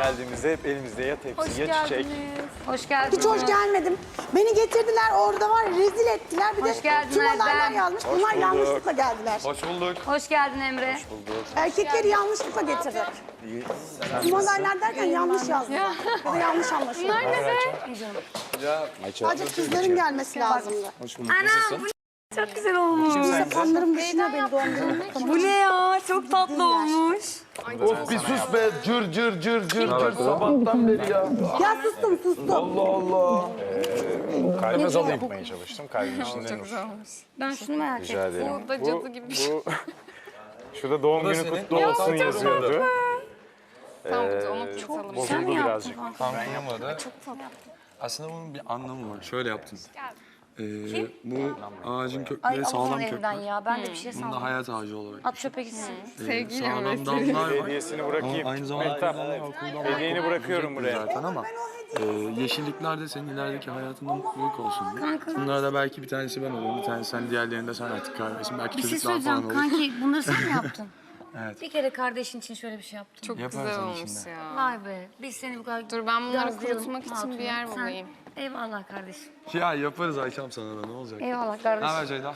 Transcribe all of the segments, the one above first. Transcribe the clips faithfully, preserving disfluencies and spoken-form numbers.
geldiğimizde hep elimizde ya tepsi Hoş ya çiçek. geldiniz. Hoş geldiniz. Hiç hoş gelmedim. Beni getirdiler orada var ya, rezil ettiler. Bir Hoş de geldin tüm olaylar Erdem. yanlış. Hoş Bunlar bulduk. yanlışlıkla geldiler. Hoş bulduk. Hoş geldin Emre. Hoş bulduk. Erkekleri yanlışlıkla getirdik. İyi. Tüm olaylar derken yanlış yazdılar. Ya da yanlış anlaşıldı. Bunlar ne be? Sadece kızların gelmesi lazımdı. Anam bu çok güzel olmuş. Sapanlarım düşünüyor beni doğum günümü. Bu ne ya? Çok tatlı olmuş. Of bir sus be. Cır cır cır cır cır sabahtan beri ya. Ya sustum sustum. Allah Allah. Kalbe zor gitmeye çalıştım. Kalbin içinde nur. Ben şunu merak ettim. Rica ederim. Bu da cadı gibi bir şey. Bu... Şurada doğum günü kutlu olsun yazıyordu. Tamam onu tutalım. Bozuldu birazcık. Kankayamadı. Aslında bunun bir anlamı var. Şöyle yaptım. Ee, bu ağacın Ay kökleri Allah'ın sağlam evden kökler. ya. Ben de bir şey Bunda sandım. hayat ağacı olarak. At çöpe gitsin. Ee, Sevgiyle sağlam mi? dallar var. Hediyesini bırakayım. Ama aynı zamanda Mehtap, okuldan hediyeni bırakıyorum buraya. zaten ama e, yeşillikler de senin ilerideki hayatında mutluluk olsun diye. Bunlarda belki bir tanesi ben olurum, bir tanesi sen, diğerlerinde sen artık kaybetsin. Belki Bir şey çocuklar falan söyleyeceğim olur. kanki. Bunları sen mi yaptın? Evet. Bir kere kardeşin için şöyle bir şey yaptın. Çok Yaparız güzel onun olmuş içinde. ya. Vay be. Biz seni bu kadar... Dur ben bunları gazlayalım, kurutmak için hatuna. bir yer Sen- bulayım. Eyvallah kardeşim. Ya yaparız Ayşem sana da ne olacak? Eyvallah Ne kardeşim. haber Ceyda?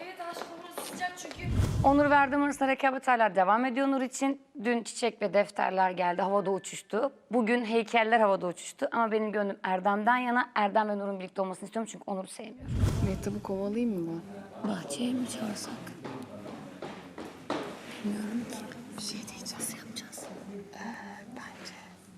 Onur verdiğim arasında rekabet hala devam ediyor Nur için. Dün çiçek ve defterler geldi, havada uçuştu. Bugün heykeller havada uçuştu. Ama benim gönlüm Erdem'den yana. Erdem ve Nur'un birlikte olmasını istiyorum çünkü Onur'u sevmiyorum. Mehtap'ı kovalayayım mı ben? Bahçeye mi çağırsak? Bilmiyorum ki. Bir şey diyeceğiz. Nasıl yapacağız? Ee, bence...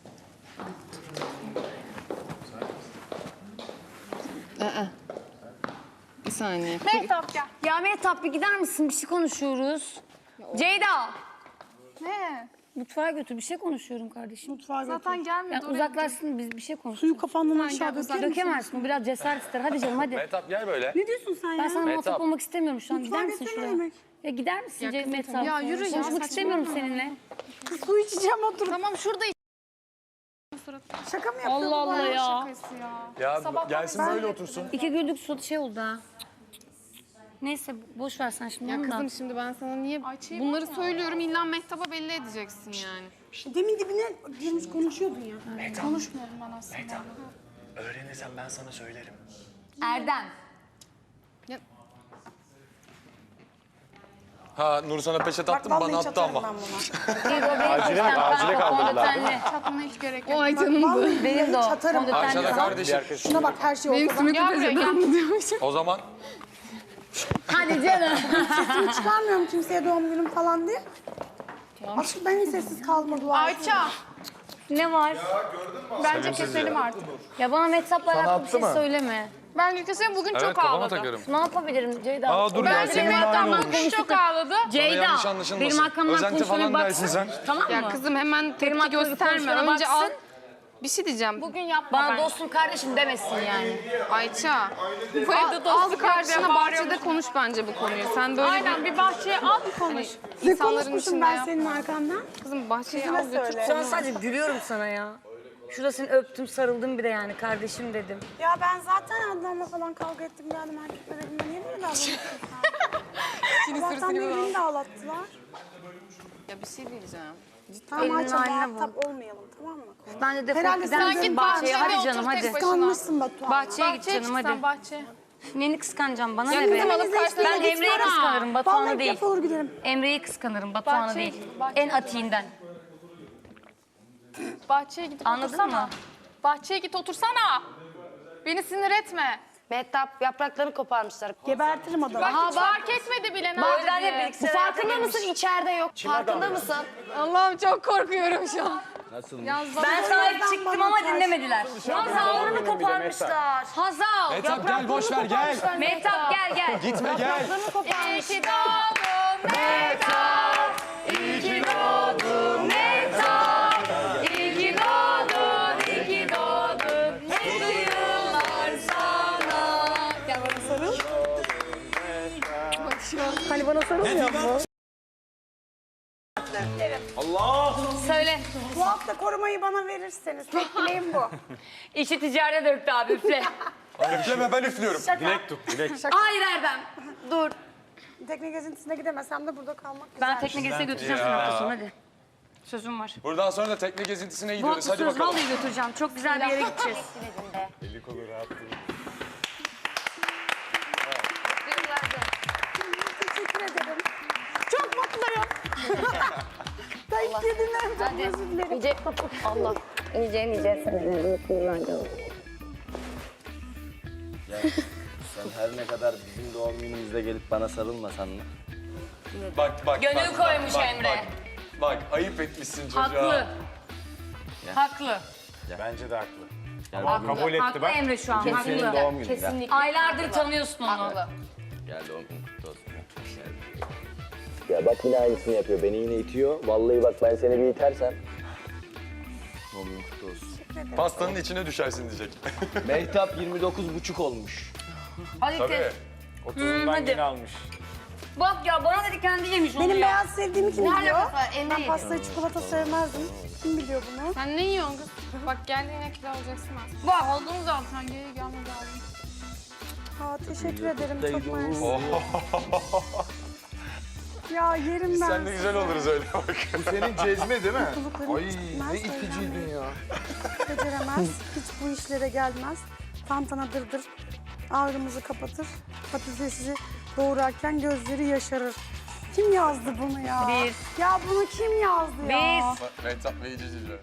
Aa. Bir saniye. Mehtap gel. Ya Mehtap bir gider misin? Bir şey konuşuyoruz. Ceyda. Ne? Mutfağa götür. Bir şey konuşuyorum kardeşim. Mutfağa götür. Zaten gelmedi. Ya uzaklaşsın biz bir şey konuşuyoruz. Suyu kafandan aşağı gel, döker misin? Dökemezsin. Bu biraz cesaret ister. Hadi canım hadi. Mehtap gel böyle. Ne diyorsun sen ya? Ben sana muhatap olmak istemiyorum şu an. Mutfağa Gider misin götür ne şuraya? demek? Ya gider misin Ya Ceyda kızım, Mehtap? ya yürü ya, Konuşmak istemiyorum saçmalama. seninle. Su içeceğim oturup. Tamam şurada iç. Şaka mı yapıyorsun? Allah Allah ya. Şakası ya. Ya Sabah gelsin böyle otursun. İki güldük su şey oldu ha. Neyse boş ver sen şimdi Ya onu da. kızım şimdi ben sana niye bunları söylüyorum illa Mehtap'a belli edeceksin yani. Demin dibine girmiş konuşuyordun ya. Konuşmuyorum ben aslında. Öğrenirsem ben sana söylerim. Erdem. Ha Nur sana peçete attım Bak bana vallahi attı ama. çatarım ben buna. Bir o benim Acile- peştem acile kanka kaldırdılar, fondötenli. Çatmana hiç gerek yok. O ay canımdı. Vallahi Benim de o çatarım. fondötenli Ayşe de falan. kardeşim. Şuna bak her şey Benim ortada. simit Gel buraya gel. O zaman Hadi canım. Sesimi çıkarmıyorum kimseye doğum günüm falan diye. Aşkım ben hiç sessiz kalmadım. Ayça. Ne var? Bence keselim artık. Ya bana Mehtap'la alakalı bir attı şey mı? söyleme. Bence keselim bugün evet çok kafama ağladı. takarım. Ne yapabilirim Ceyda? Aa dur ya Bence senin de aynı Mehtap'la olmuş. bugün çok ağladı. Ceyda, yanlış anlaşılmasın. benim arkamdan Özenti konuşmaya falan dersin baksın. sen. Tamam mı? Ya kızım hemen Benim tepki hakkımda gösterme. konuşmana Önce al. baksın. Bir şey diyeceğim. Bugün yapma Bana bence. dostum kardeşim demesin yani. Ayça. Bu evde Al, al dostluk karşına var. bahçede konuş bence bu konuyu. Sen böyle Aynen bir bahçeye al bir konuş. Ne insanların konuşmuşum içinde ben yap. senin arkandan? Kızım bahçeye Kızına al götür. söyle. Şu an sadece gülüyorum sana ya. Şurada seni öptüm, sarıldım bir de yani kardeşim dedim. Ya ben zaten Adnan'la falan kavga ettim geldim erkeklere dedim. Niye böyle davranıyorsun sen? Şimdi Zaten sırasını birbirini de ağlattılar. Ya bir şey diyeceğim. Tamam Elinin Ayça haline muhatap olmayalım tamam mı? Bence defol Herhalde gider sen misin git bahçeye? bahçede Hadi canım otur tek hadi. başına. Kıskanmışsın Batuhan. Bahçeye git Bahçeye canım çık sen hadi. bahçeye. Neyini kıskanacağım bana Ya ne be? kızım alıp karşına Ben gitme. Emre'yi kıskanırım Batuhan'ı Vallahi değil. defol giderim. Emre'yi kıskanırım Batuhan'ı Bahçeye değil. git, bahçeye En atiğinden. Bahçeye gidip Anladın otursana. mı? Bahçeye git otursana. Beni sinir etme. Mehtap yapraklarını koparmışlar. Gebertirim adamı. Bak hiç fark etmedi bile ne O yüzden yaptı hep diye. bilgisayar farkında mısın? İçeride yok. Farkında mısın? Allah'ım çok korkuyorum şu an. Ben sahip çıktım ama dinlemediler. Hazal'ını koparmışlar. Hazal. Mehtap gel boş ver gel. Mehtap gel gel. Gitme gel. İyi ki doğdun Mehtap. İyi ki doğdun Mehtap. İyi ki doğdun, iyi ki doğdun. Mutlu yıllar sana. Gel bana sarıl. Hani bana sarılmıyor mu? Allah. Söyle. Bu hafta korumayı bana verirseniz. Tek dileğim bu. İşi ticarete döktü abi üfle. Üfleme ben üflüyorum. Dilek tut, dilek. Hayır Erdem. Dur. Tekne gezintisine gidemesem de burada kalmak Ben güzel. tekne gezisine götüreceğim seni hafta sonu hadi. Sözüm var. Buradan sonra da tekne gezintisine Bu gidiyoruz. Hadi söz bakalım. vallahi götüreceğim. Çok güzel bir yere gideceğiz. Eli kolu rahat değil. Teşekkür ederim. Çok mutluyum. Tayyip kedimden çok özür dilerim. Nice, Allah. Nice nice seneler mutluluğlar olsun. Ya sen her ne kadar bizim doğum günümüzde gelip bana sarılmasan mı? Bak bak. Gönül bak, koymuş bak, Emre. Bak, bak ayıp etmişsin çocuğa. Haklı. Haklı. Bence de haklı. Yani Ama kabul etti Haklı bak. Emre şu an. senin Haklı. doğum günün. Kesinlikle. Aylardır tanıyorsun onu. Haklı. Gel doğum günün kutlu olsun. Ya bak yine aynısını yapıyor. Beni yine itiyor. Vallahi bak ben seni bir itersem. Doğum günün kutlu olsun. Pastanın içine düşersin diyecek. Mehtap yirmi dokuz buçuk olmuş. Hadi Tabii. te- otuzundan hadi. yeni almış. Bak ya bana dedi kendi yemiş onu Benim ya. beyaz sevdiğimi kim Ne biliyor? alakası var? Emre Ben yedi. pastayı çikolata sevmezdim. Kim biliyor bunu? Sen ne yiyorsun kız? Bak geldiğine kilo alacaksın artık. Bak. Aldın zaten geri gelmedi aldın. Aa, teşekkür ederim. Çok Kutluydu. mersi. Ya yerim ben. Sen de güzel oluruz öyle bak. Bu senin cezme değil mi? Mutluluklarım Ay bitmez, ne iticiydin ya. Beceremez. Hiç bu işlere gelmez. Tantana dırdır. Ağrımızı kapatır. Patatesi doğrarken gözleri yaşarır. Kim yazdı bunu ya? Biz. Ya bunu kim yazdı ya? Biz. Mehtap ve İcici'yle.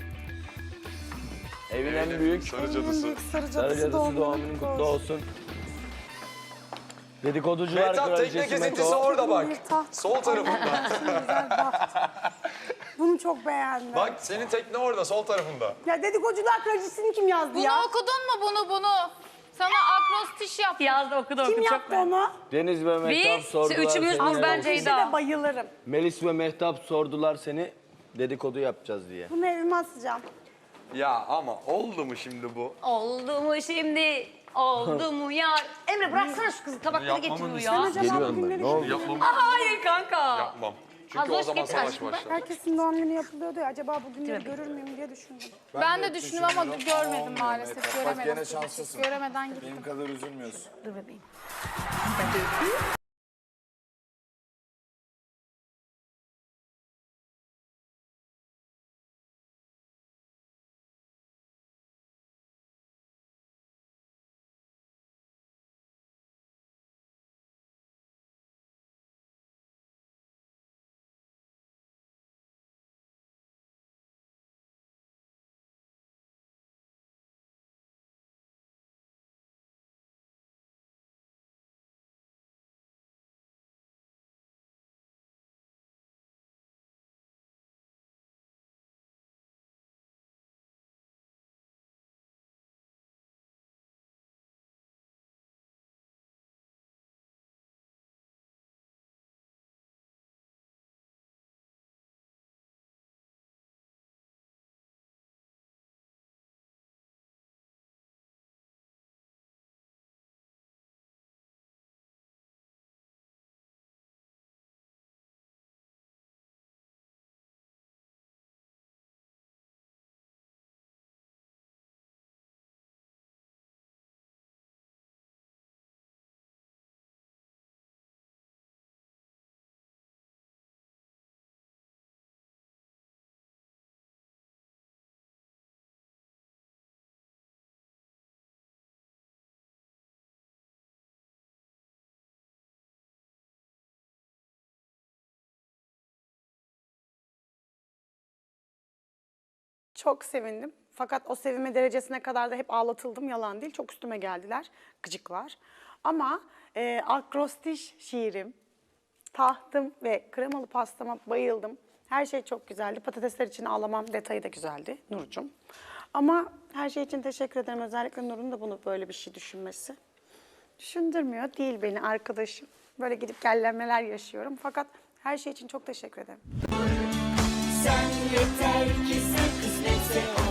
Evin en büyük Sarı En cadısı. büyük sarı sarı cadısı cadısı doğum doğum günün günün kutlu kutlu olsun. olsun. Dedikoducular Mehtap tekne kraliçesi gezintisi Meto. orada bak. Bir taht. Sol tarafında. Güzel baht. Bunu çok beğendim. Bak senin tekne orada sol tarafında. Ya dedikocular kraliçesini kim yazdı Bunu ya? okudun mu bunu bunu? Sana akrostiş yaptım. Yazdı okudu okudu. Kim çok yaptı beğendim. onu? Deniz ve Mehtap Biz, sordular üçümüz, seni. biz bence İşte de Ceyda. bayılırım. Melis ve Mehtap sordular seni. Dedikodu yapacağız diye. Bunu evime asacağım. Ya ama oldu mu şimdi bu? Oldu mu şimdi? Oldu mu ya? Emre bıraksana şu kızı tabakları Yapmamın getiriyor Sen ya. acaba Geliyorum bugünleri ben. Ne oldu? Yapmam. Hayır kanka. Yapmam. Çünkü Az o hoş zaman getir savaş aşkım. başlar. Herkesin doğum günü yapılıyordu ya. Acaba bugünleri görür müyüm diye düşündüm. Ben de düşündüm ama görmedim maalesef. Bak Göremedim. gene şanslısın. Göremeden gittim. Benim kadar üzülmüyorsun. Dur bebeğim. Çok sevindim. Fakat o sevinme derecesine kadar da hep ağlatıldım. Yalan değil. Çok üstüme geldiler. Gıcıklar. Ama e, akrostiş şiirim, tahtım ve kremalı pastama bayıldım. Her şey çok güzeldi. Patatesler için ağlamam detayı da güzeldi Nurcuğum. Ama her şey için teşekkür ederim. Özellikle Nur'un da bunu böyle bir şey düşünmesi. Düşündürmüyor değil beni arkadaşım. Böyle gidip gellenmeler yaşıyorum. Fakat her şey için çok teşekkür ederim. Sen yeter ki sen kısmetse